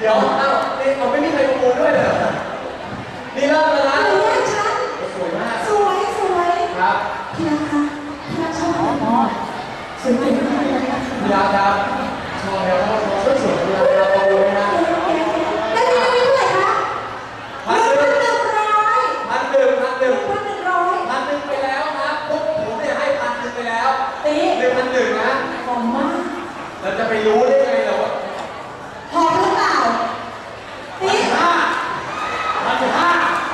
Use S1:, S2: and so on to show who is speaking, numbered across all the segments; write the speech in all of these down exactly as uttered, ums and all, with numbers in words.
S1: เดี๋ยวเอ้านี่เราไม่มีใครประมูลด้วยเหรอนี่เริ่มแล้วนะสวยมาก
S2: สวยสวย
S1: ครับ
S2: พี่รักคะพี่รักชอบไหมสวยมากเลยนะคะ
S1: พี่รักครับชอบแล้วก็สวยพี่รักครับประมูลนะ
S2: แล้วนี่ไม่เท่าไหร่คะ
S1: พันหนึ่ง
S2: หนึ่งร้อย
S1: พันหนึ่งพันหนึ่ง
S2: พันหนึ่งร้อย
S1: พันหนึ่งไปแล้วครับพวกผมเนี่ยให้พันหนึ่งไปแล้ว
S2: ตี
S1: หนึ่งพันหนึ่งนะ
S2: หอมมาก
S1: เราจะไปรู้ได้ไงเราว่า
S2: หอมหรือเปล่าตี
S1: ห้าพันห้า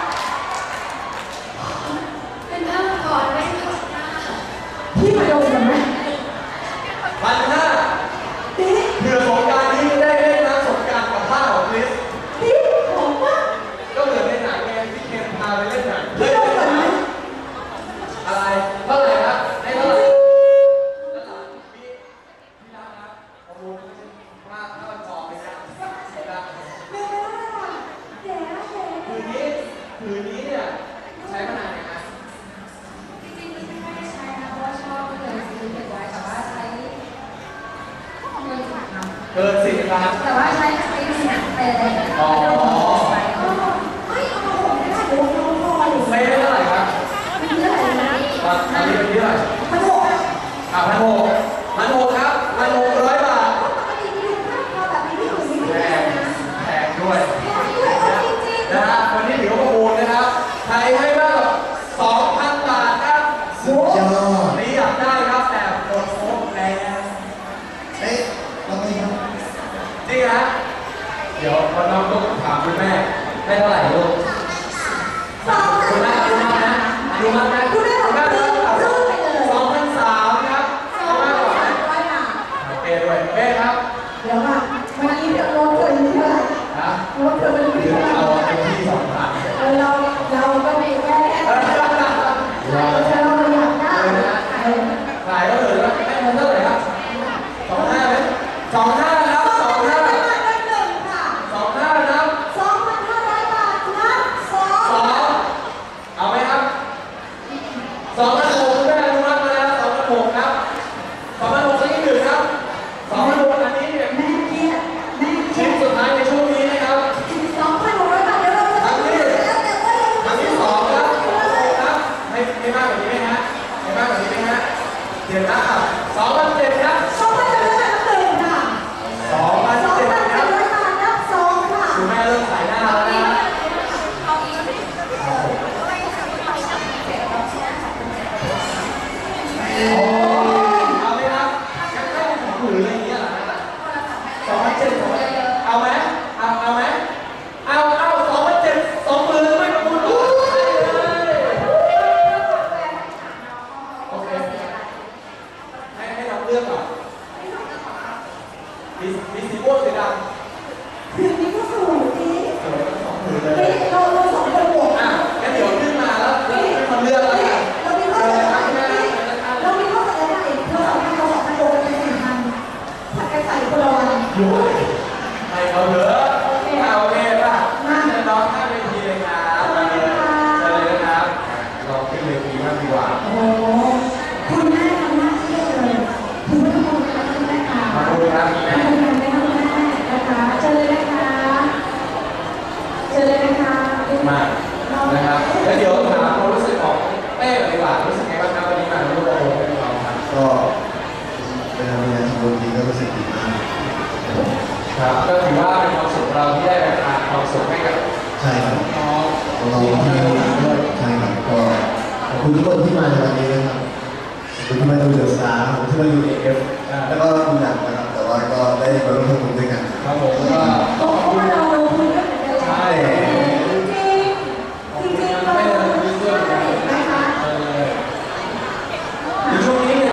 S2: เป็นผ้าก่อนไม่ผ้าพี่มาดมกันไหม
S1: พันห้า
S2: ตี
S1: เผื่อสงการนี้ได้เล่นน้ำสงการกับผ้าของคริส
S2: ตีหอมมาก
S1: ก็เหมือนในหนังไงที่เคนพาไปเล่นหนัง
S2: พี่ดมกันไหม
S1: อะไรเท่าไหร่ครับให้เท่าไหร่แล้วหลังพี่พี่รักครับประมูลว่าเท่าจอไปนะนะ
S2: เร็วๆเลยค่ะแย่แย่
S1: คืนนี้คืนนี้เนี่ยใช้มานานไหมครับ
S3: จริงๆไม่ได้ใช้นะเพราะว่าชอบเลยซื้อเก็บไว้แต่ว่าใช้เงินฝากทำ
S1: เกินสิบล้าน
S3: แต่ว่าใช้ใช้หนักไปเลย
S1: อ๋อ
S2: ไม่เอามาผมไม่ได้เดี๋ยวเราพออยู่
S1: ไม่ได้เท่าไหร่ครับ
S3: เป็นเท่าไหร่นะ
S1: ตอนนี้เป็นเท่าไหร่
S2: พันหกอ่ะ
S1: อ่าพันหกพันหกครับพันหกร้อยบาท
S2: ปกติมีค่าพอแบบนี้ที่อื่นไม่ได้นะ
S1: แพงด้วย
S2: แพงด้วยเออจริงๆ
S1: นะฮะวันนี้ถือว่าประมูลนะครับใครให้มากกว่า สองพัน บาทครับ
S4: สุดยอด
S1: นี่อยากได้ครับแต่โดนโค้งแรง
S4: เอ๊ะลองดีครับ
S1: จริงฮะเดี๋ยวพอน้องต้องถามคุณแม่ได้เท่าไหร่ลูกคุณแม่คุณแม่นะดูมากนะ
S2: คุณแม่บอกว่าซื้อซื้อไปเลย
S1: สองพันสามครับ
S2: สองพันสามร้อยบาท
S1: โอเคด้วยเป้ครับ
S2: เดี๋ยวค่ะวันนี้เดี๋ยวรถเธออยู่ที่ไหนรถเธอเป็นอยู่ที่ไหน
S1: เอาไปที่สองพัน
S2: เออเราเราก็มีแค่เราเราอยากได้
S1: ขายก็เหลือให้มันเท่าไหร่ครับสองห้าไหมสองห้าครับสองห้าสองห้าครับ
S2: สองพันห้าร้อยบาทนะสอง
S1: สองเอาไหมครับสองพันหกคุณแม่อนุมัติมาแล้วสองพันหกครับสองพันหกสักนิดหนึ่งครับสองพันหกอันนี้เนี่ย
S2: แม่เครียดแม่เครี
S1: ชิ้
S2: ยด
S1: นสุดท้ายในช่วงนี้นะครับ
S2: สองพันหกร้อยบาทเดี๋ยวเราจะ
S1: ครั้งที่ครั้งที่สองครับครับให้ให้มากกว่านี้ไหมฮะให้มากกว่านี้ไหมฮะเดี๋ยวนะสองพันเจ็ดครับ
S2: สองพันเจ็ดร้อยบาทหนึ่งค่ะ
S1: สองพันเจ็ดครับ
S2: ร้อยบาทนับสองค่ะ
S1: คุณแม่เริ่มขายหน้าแล้วนะโอ้เอาไหมครับยังเข้าของหืออะไรอย่างเงี้ยเหรอสองพันเจ็ดสองพันเอาไหมเอาเอาไหมเอาเอาสองพันเจ็ดสองหมื่นไม่ประมูลรู้เลยโอเคให้ให้เราเลือกก่อนมีมีสีม่วงสีดำ
S2: คืนนี้ก็สวยดี
S1: สวยทั้งสองผืนเล
S2: เฮ้
S1: ย
S2: ยเราเราสองคนบวก
S1: อ่ะงั้นเดี๋ยวขึ้นมาแล้วแล้วให้คนเลือกแล้วกัน
S2: เรามีข้อเสนอใหม่เรามีข้อเสนอใหม่เธอสองพันเราสองพันโดกันเป็นสี่พันผัดกันใส่คนละวัน
S1: อยู่ให้เขาเถอะอ่ะโอเคป่ะเชิญน้องข้ามเวทีเลยครับมาเลยเชิญเลยนะครับลองขึ้นเวทีมากดีกว่า
S2: โอ้คุณแม่ทำหน้าที่เลยถือว่าทุกคนทำคุณแม่ค่ะ
S1: มาดูครับแม่
S2: ทำงานได้ทำแม่นะคะเชิญเลยนะคะเชิญเลยนะคะ
S1: มานะครับแล้วเดี๋ยวถามความรู้สึกของเป้ดีกว่ารู้สึกไงบ้างครับวันนี้มาร่วมโปรโมทกับเราครับ
S4: ก็เป็นงานที่ดีก็รู้สึกดีมาก
S1: ครับก็ถือว่าเป็นความสุขเราที่ได้แบ่งปันความสุขให้กับ
S4: ใช่ครับ
S1: น้อง
S4: น้องที่ด้วยใช่ครับก็ขอบคุณทุกคนที่มาในวันนี้นะครับขอบคุณที่มาดูเดอะสตาร์ขอบคุณที่มาดูเอฟแล้วก็ดูหนังนะครับแต่ว่าก็ได้มาร่วมทำบุญด้วยกัน
S1: ครับผมก็